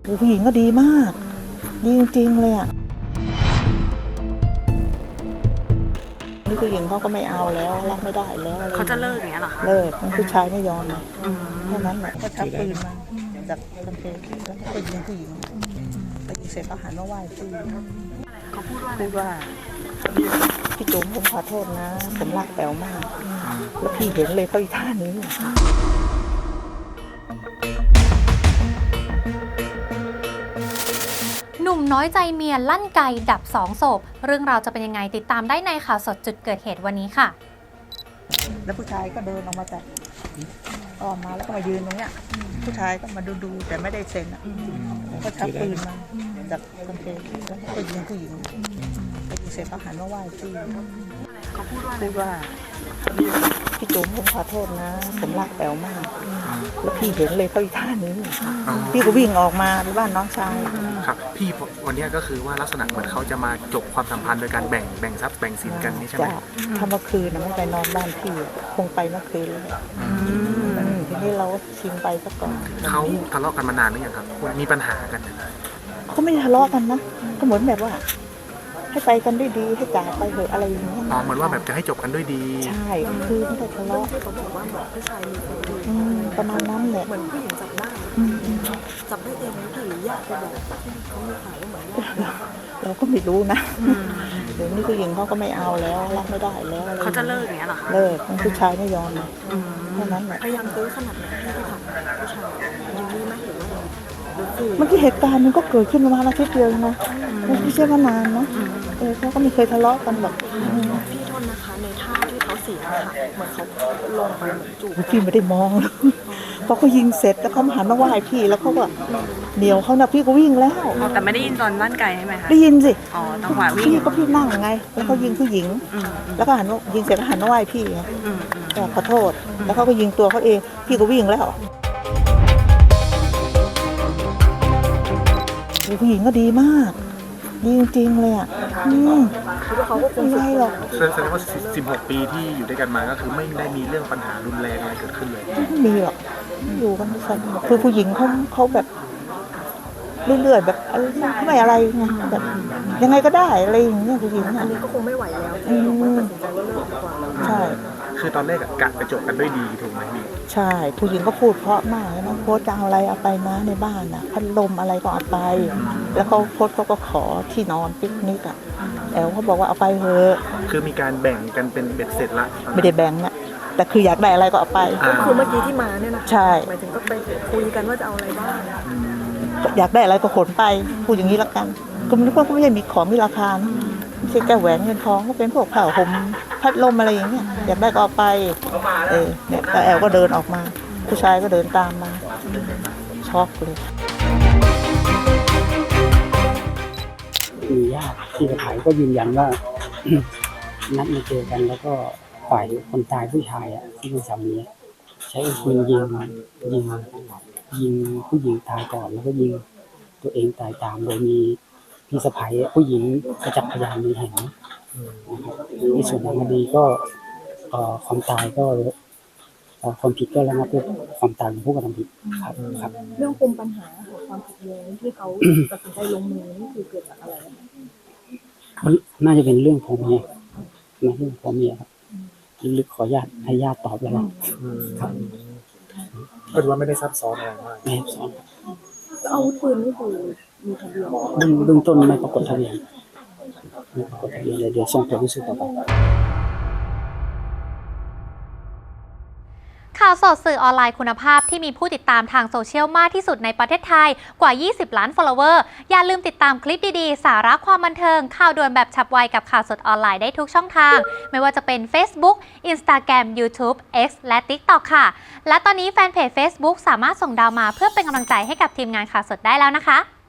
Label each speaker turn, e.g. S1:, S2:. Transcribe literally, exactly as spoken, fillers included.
S1: ผู้หญิงก็ดีมากดีจริงๆเลยอ่ะนี่ผู้หญิงเขาก็ไม่เอาแล้วรับไม่ได้แล้ว
S2: เขาจะเลิกอย่างเงี้ยหรอคะ
S1: เลิกผู้ชายไม่ยอมเลยแค่นั้นแหละก็ชักปืนมาจากกางเกงแล้วก็ไปยิงผู้หญิงไปยิงเสร็จก็หันมาไหว้พี่
S2: เขาพูดว่า
S1: พูดว่าพี่จุ๋มผมขอโทษนะผมรักแป๋วมากแล้วพี่เห็นเลยเขาอีท่านี้
S3: หนุ่มน้อยใจเมียลั่นไกดับสองศพเรื่องราวจะเป็นยังไงติดตามได้ในข่าวสดจุดเกิดเหตุวันนี้ค่ะ
S1: แล้วผู้ชายก็เดินออกมาจากออกมาแล้วก็มายืนตรงเนี้ยผู้ชายก็มาดูดูแต่ไม่ได้เซ็นอ่ะก็ชักปืนมาจากกางเกงแล้วก็ยิงผู้หญิงไปยิงเสร็จก็หันมาไหว้พี่
S2: เขาพูดว่า
S1: พูดว่าพี่จุ๋มผมขอโทษนะผมรักแป๋วมากแล้วพี่เห็นเลยเขาอีท่านี้พี่ก็วิ่งออกมาที่บ้านน้องชาย
S4: ครับพี่วันนี้ก็คือว่าลักษณะเหมือนเขาจะมาจบความสัมพันธ์โดยการแบ่งแบ่งทรัพย์แบ่งสินกันนี่ใช่ไหม
S1: ถ้าเมื่อคืนนะไม่ไปนอนบ้านพี่คงไปเมื่อคืนเลยทีนี้เราชิงไปซะก่อน
S4: เขาทะเลาะกันมานานหรือยังครับมีปัญหากัน
S1: เขาไม่ทะเลาะกันนะก็เหมือนแบบว่าให้ไปกันด้วยดีให้จากไปเถอะอะไรอย่างเงี้ย
S4: อ๋อเหมือนว่าแบบจะให้จบกันด้วยดี
S1: ใช่คือไม่ได้ทะเลาะ
S2: เขาบอกว่าเหมือนผู้ชายมีคนอื่น
S1: ประมาณนั้นแหละ
S2: เหมือนผู้หญิงจับได้จับได้เองหรือญาติไปบอกที่เขามีข่าวว่าเหมือนญาติ
S1: เราก็ไม่รู้นะเดี๋ยวนี้ผู้หญิงเขาก็ไม่เอาแล้วรับไม่ได้แล้ว
S2: เขาจะเลิกอย่างเงี้ยหรอคะ
S1: เลิกผู้ชายไม่ยอมเลยแค่นั้นแหละ
S2: พยายามตื้อขนาดไหนที่ทำผู้ชายยืนนี่ไหมหรือว่า
S1: เมื่อกี้เหตุการณ์มันก็เกิดขึ้นประมาณอาทิตย์เดียวนะไม่ใช่ว่านานนะเออเขาก็ไม่เคยทะเลาะกันหรอก
S2: พี่โทษนะคะในท่าที่เขาเสียค่ะเหมือนเขาลงไปเหมือนจูบ
S1: พี่ไม่ได้มองพอเขายิงเสร็จแล้วเขาหันมาไหว้พี่แล้วเขาก็เดี๋ยวเขานะพี่ก็วิ่งแล้ว
S2: แต่ไม่ได้ยินตอนลั่นไกใช่ไหมคะ
S1: ได้ยินสิ
S2: อ๋อจังหวะวิ่ง
S1: พี่ก็พี่นั่งไงแล้วเขายิงผู้หญิงแล้วก็หันยิงเสร็จก็หันมาไหว้พี่ก็ขอโทษแล้วเขาก็ยิงตัวเขาเองพี่ก็วิ่งแล้วผู้หญิงก็ดีมากดีจริงๆเลยอ่ะอืมเขาก็คงไม่หรอก
S4: แสดงว่าสิบหกปีที่อยู่ด้วยกันมาก็คือไม่ได้มีเรื่องปัญหารุนแรงอะไรเกิดขึ้นเลย
S1: ไม่มีหรอกอยู่กันสนุกคือผู้หญิงเขาเขาแบบเรื่อยๆแบบไม่อะไรไงแบบยังไงก็ได้อะไรอย่างเงี้ยผู้หญิง
S2: อันนี้ก็คงไม่ไหวแล้ว
S1: อืมใช่
S4: คือตอนแรกกะไปจบกันด้วยดีถูกไหมพี่
S1: ใช่ผู้หญิงก็พูดเพราะมากนะโพสจะเอาอะไรเอาไปนะในบ้านน่ะพัดลมอะไรก็เอาไปแล้วเขาโพสเขาก็ขอที่นอนปิกนิกอ่ะแอลเขาบอกว่าเอาไปเถอะ
S4: คือมีการแบ่งกันเป็นเบ็ดเสร็จละ
S1: ไม่ได้แบ่งนะแต่คืออยากได้อะไรก็เอาไป
S2: ก็คือเมื่อกี้ที่มาเนี่ยนะ
S1: ใช่
S2: หมายถึงก็ไปคุยกันว่าจะเอาอะไรบ้าง
S1: อยากได้อะไรก็ขนไปพูดอย่างนี้ละกันก็ไม่รู้ว่าเขาไม่ใช่มีของมีราคาไม่ใช่แก้วแหวนเงินทองก็เป็นพวกผ้าห่มพัดลมอะไรอย่างเงี้ยอยากได้ก็เอาไปเออเนี่ยแต่แอลก็เดินออกมาผู้ชายก็เดินตามมาช็อกเลย
S5: มีญาติที่ขายก็ยืนยันว่า นัดมาเจอกันแล้วก็ฝ่ายคนตายผู้ชายอ่ะที่เป็นสามีใช้ปืนยิงยิงยิงผู้หญิงตายก่อนแล้วก็ยิงตัวเองตายตามโดยมีพี่สะใภ้ผู้หญิงประจักษ์พยานมีเห็นในส่วนทางคดีก็ความตายก็ความผิดก็ระงับด้วยความตายของผู้กระทำผิดครับครับ
S2: เรื่องปมปัญหาของความขัดแย้งที่เขาตัดสินใจลงมือนี่คือเกิดจากอะไร
S5: น่าจะเป็นเรื่องของเมียนะเรื่องของเมียครับลึกขอญาติให้ญาติตอบแล้วครับ
S4: ก็ถือว่าไม่ได้ซับซ้อนอะไรมาก
S5: ไม่ซับซ้อน
S2: อาวุธปืนนี่คือมีทะเบียน
S5: เบื้องต้นไม่ปรากฏทะเบียนไม่ปรากฏทะเบียนเลยเดี๋ยวส่งตัวพิสูจน์ต่อไป
S3: ข่าวสดสื่อออนไลน์คุณภาพที่มีผู้ติดตามทางโซเชียลมากที่สุดในประเทศไทยกว่ายี่สิบล้าน follower อย่าลืมติดตามคลิปดีๆสาระความบันเทิงข่าวด่วนแบบฉับไวกับข่าวสดออนไลน์ได้ทุกช่องทางไม่ว่าจะเป็น Facebook Instagram YouTube X และ TikTok ค่ะและตอนนี้แฟนเพจ Facebook สามารถส่งดาวมาเพื่อเป็นกำลังใจให้กับทีมงานข่าวสดได้แล้วนะคะ